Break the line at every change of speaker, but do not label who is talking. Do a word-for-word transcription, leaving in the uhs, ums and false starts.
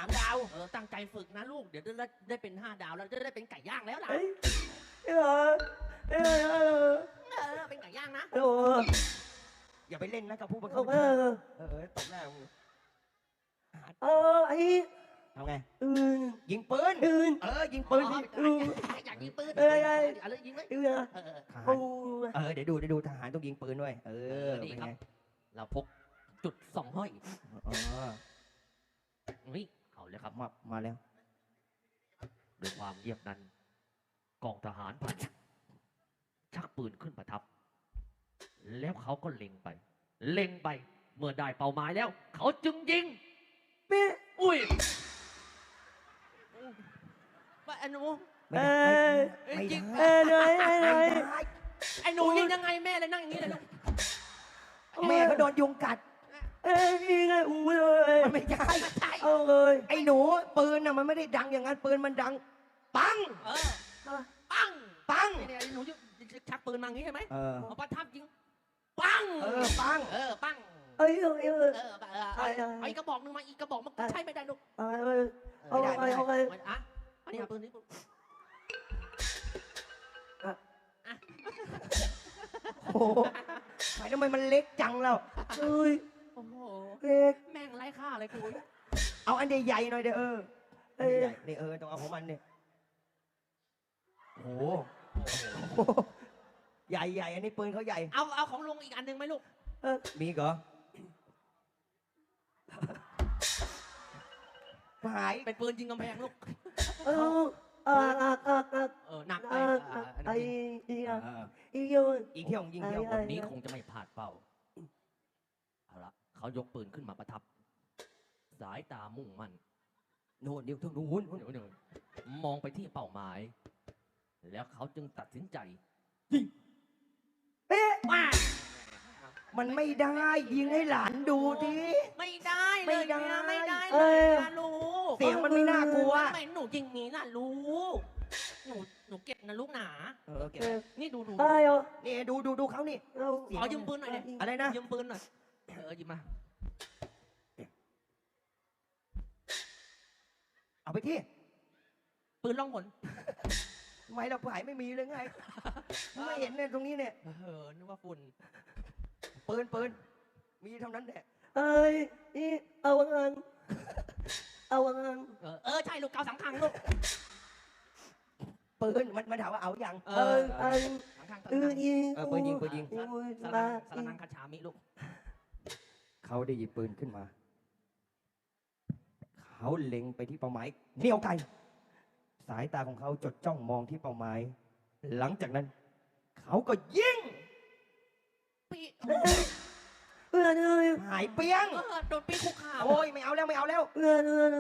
ามดาว
เออตั้งใจฝึกนะลูกเดี๋ยวได้ได้เป็นห้าดาวแล้วจะได้เป็นไก่ย่างแล้วล่ะ
เอ้ยเออเออเออ
เออเป็นไก่ย่างนะ
เออ
อย่าไปเล่นนะกับผู้บัง
เอ
คับ
อเออ
เออตบหน้ามึง
เออไอ้
ทำไง
อื่น
ยิงปืน
อื่น
เออยิงปืนดิ
อ๋ออยากยิงปืน
เอ้ยเอ้ย
อะไรยิงไหม
อื่นอะ
เออ
ทหาร
โอ้
เออเดี๋ยวดูเดี๋ยวดูทหารต้องยิงปืนด้วยเออเป็นไง
เราพกจุดสองห้อย
อ๋อ
นี่เอาเลยครับ
มามาแล้ว
ด้วยความเงียบนั้น กองทหารผ่านชักปืนขึ้นประทับ แล้วเขาก็เล็งไป เล็งไป เมื่อได้เป้าหมายแล้ว เขาจึงยิง
เป๊ะ
อุ้ยว่าไอ้หนู
ไม่ได้ไม่
จริง
ได้
เอ้ยเอ้ยเอ้ย
ไม่
เอ้ย
ได้
ไอ้หนูยิงยังไงแม่เลยนั่งอย่างนี้เลยลูก
แม่ก็โดนยุงกัด
เอ้ยยังไงอู้เลย
มันไม่ใช่
ใช่
เอาเลย
ไอ้หนูปืนน่ะมันไม่ได้ดังอย่างนั้นปืนมันดัง ปัง
เออปัง
ปัง
เนี่ยไอ้หนูชักปืนมาอย่างนี้ใช่ไหม
เออ
เอาประทับยิงปัง
เออปัง
เออปัง
เอ้ยเอ้ยเอ้ย
เออเออเออเอาอีกกระบอกหนึงมาอีกกระบอกมันใช่ไม่ได้ลูก
เอาเลย เอาไปเอาไป
มันอ่ะอันนี้เอาปืนนี้ปุ๊บ
โอ้โหทำไมทำไมมันเล็กจังแล้ว
เอ้ย
โอ้โห
เล็ก
แม่งไร้ค่าเลยคุย
เอาอันใหญ่ๆหน่อยเด้อเออ
เอ้ย
ใหญ่ๆนี่เออต้องเอาของมันเนี่ยโอ้โหใหญ่ใหญ่อันนี้ปืนเขาใหญ่
เอาเอาของลุงอีกอันหนึ่งไหมลูก
เออ
มีเหรอหาย
เป็นปืนยิงกำแพงลูก
เอออ่าอ่าอ่าอ่า
เออหนักไป
อ่า
อ่าอัน
ไอ้
นี้
อีอ่ะ
เออ
อีเยอะ
ยิงเที่ยวยิงเที่ยว
ไอ้
วันนี้คงจะไม่พลาดเป้าเอาละเขายกปืนขึ้นมาประทับ สายตามุ่งมั่น
โน่นเดี๋ยวทางนู้น
เดี๋ยวๆมองไปที่เป้าหมาย แล้วเขาจึงตัดสินใจ
เป๊ะ
ว้า
มันไม่ได้ยิงให้หลานดูที
ไม่ได้เลย
ไม่ได้
นะไม่ได้
เอ
เลย
อ
นะลูก
เสียงมันไม่น่ากลัว
ทำไมหนูยิงนี้ล่ะลูกหนูหนูเก็บนะลูกหนา
เออเก็บ
เออ
นี่ดูดู
ได้เหรอ
นี่ดูดูดูเขานี่
เอา
ขอยืมปืนหน่อยดิ
อะไรนะ
ยืมปืนหน่อยเออหยิบมา
เอาไปที่
ปืนล่องหน
ทำไมเราผายไม่มีเลยไง ไม่เห็นเนี่ยตรงนี้เนี่ย
เออนึกว่าฝุ่น
ปืนปืนมีเท่านั้นแหละ
เอ้ยอีเอาเงินเอาเงิน
เออเออใช่ลูกเกาสังขังลูก
ปืนมันมันถามว่าเอาอย่าง
เอ
เอ
อ
อเออ
สังขัง
เออยิง
เออปืนยิงปืนยิง
โอ้ย
สา
มา
รังสารังคาชามิลูก
เขาได้หยิบปืนขึ้นมา เขาเล็งไปที่เป้าหมายเหนี่ยวไกลสายตาของเขาจดจ้องมองที่เป้าหมาย หลังจากนั้น เขาก็ยิง
ปี
เพื่อนเอ้ย
หายเปี้ยง
เออโดนปีคุกข่าว
โอ้ยไม่เอาแล้วไม่เอาแล้ว
เพื่อนเอ้ย